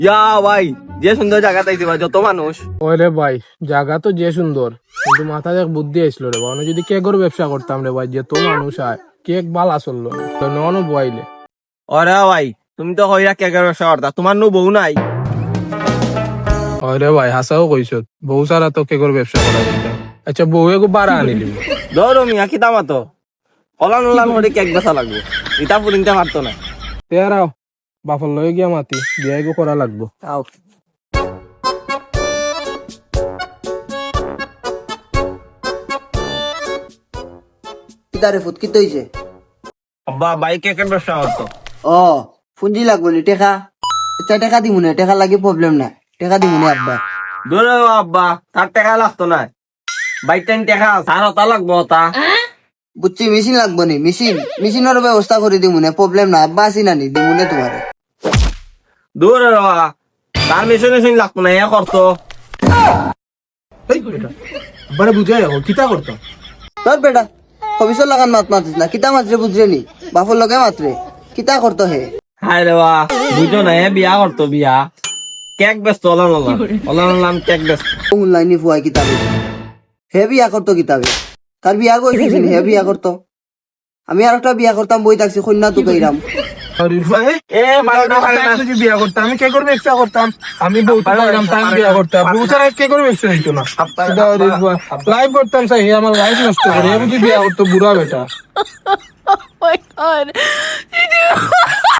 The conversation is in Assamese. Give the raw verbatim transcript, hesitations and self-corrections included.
ইয়া ভাই যে সুন্দর জায়গা তাইছে ভাই, যত মানুষ। ওরে ভাই জায়গা তো যে সুন্দর, কিন্তু মাথায় এক বুদ্ধি আসলো রে ভাই, যদি কেকের ব্যবসা করতাম রে ভাই, যে তো মানুষ আয় কেক বালা চললো না তো নন বইলে। ওরে ভাই তুমি তো হইয়া কেকের ব্যবসা করতা, তোমার নো বউ নাই? ওরে ভাই হাসাও কইছ, বউ সারা তো কেকের ব্যবসা করা যেতাম। আচ্ছা বউ এগো বাড়া আনিলি ধরো মিয়া কি দাম তো অলান অলান করে কেক বেচা লাগবো, ইটা পুরিনতে পারতো না। তেরাও বাপর লয়ে গিয়া মাতি বিয়া এগো করা লাগবো। আও কিতারে ফুট কি তৈছে? আব্বা ভাই কেকের ব্যবসা করতো। ও পুঁজি লাগবো নি টেকা? আচ্ছা টেকা দিমুনে, টেকা লাগে প্রবলেম না, টেকা দিমুনে আব্বা। ধরো আব্বা তার টাকা লাগতো না, বাইক টাইম টাকা সার হতা লাগবো তা। বুঝছি মেশিন লাগবো নি, মেশিন মেশিনের ব্যবস্থা করে দিমুনে, প্রবলেম না আব্বা, আসি নানি দিমুনে তোমারে। দূর তার মেশিন মেশিন লাগতো না, এ করতো। আব্বারে বুঝাই কিতা করতো? তোর বেটা ভবিষ্যৎ লাগান মাত মাতিস না, কিতা মাত্রে বুঝরে নি বাপর লগে মাত্রে কিতা করতো হে? হায় রে বা বুঝো না, এ বিয়া করতো, বিয়া কেক বেচতো, অলান অলান অলান অলান কেক বেচতো। অনলাইনে ফুয়াই কিতাবে হে বিয়া করতো, কিতাবে তার বিয়া করছিস হে বিয়া করতো। আমি আর একটা বিয়া করতাম, বই থাকছি কন্যা তো কইরাম। এ মারো না, বিয়া করতাম আমি কেকের ব্যবসা করতাম, আমি বউ পাইলাম তাই বিয়া করতাম, বউ ছাড়া কেকের ব্যবসা হইতো না। লাইভ করতাম সাই আমার লাইফ নষ্ট করে, আমি বিয়া করতো বুড়া বেটা। Oh my god.